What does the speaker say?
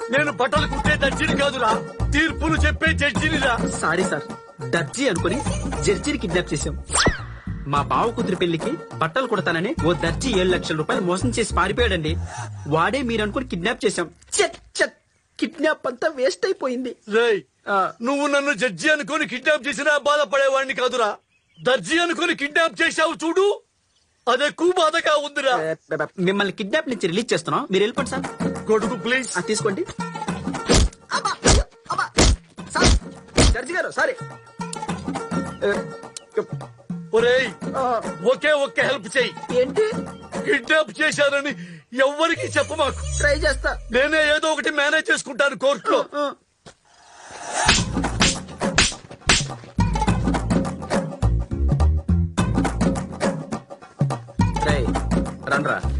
నేను బట్టలు కుట్టే దర్జీని కాదురా, తీర్పులు చెప్పే జడ్జినిరా. సారీ సార్, దర్జీ అనుకుని జడ్జిని కిడ్నాప్ చేశాం. మా బావ కూతురి పెళ్లికి బట్టలు కుడతానని ఓ దర్జీ 7 లక్షల రూపాయలు మోసం చేసి పారిపోయాడండి. వాడే మీరు అనుకుని కిడ్నాప్ చేశాం. చెట్ చెట్ కిడ్నాప్ అంతా వేస్ట్ అయిపోయింది. రేయ్, నువ్వు నన్ను జడ్జి అనుకుని కిడ్నాప్ చేసినా బాధపడేవాడిని కాదురా, దర్జీ అనుకుని కిడ్నాప్ చేశావు చూడు, అదెక్కువ బాధగా ఉందిరా. మిమ్మల్ని కిడ్నాప్ నుంచి రిలీజ్ చేస్తున్నాం, మీరు వెళ్ళిపోండి సార్. కొడుకు ప్లీజ్ తీసుకోండి. జడ్జి గారు సారీ. ఒరేయ్, ఒకే ఒక్క హెల్ప్ చెయ్యి. ఏంటి? కిడ్నాప్ చేశారని ఎవ్వరికి చెప్ప మాకు. ట్రై చేస్తా. నేనే ఏదో ఒకటి మేనేజ్ చేసుకుంటాను కోర్టులో. రండ్రా.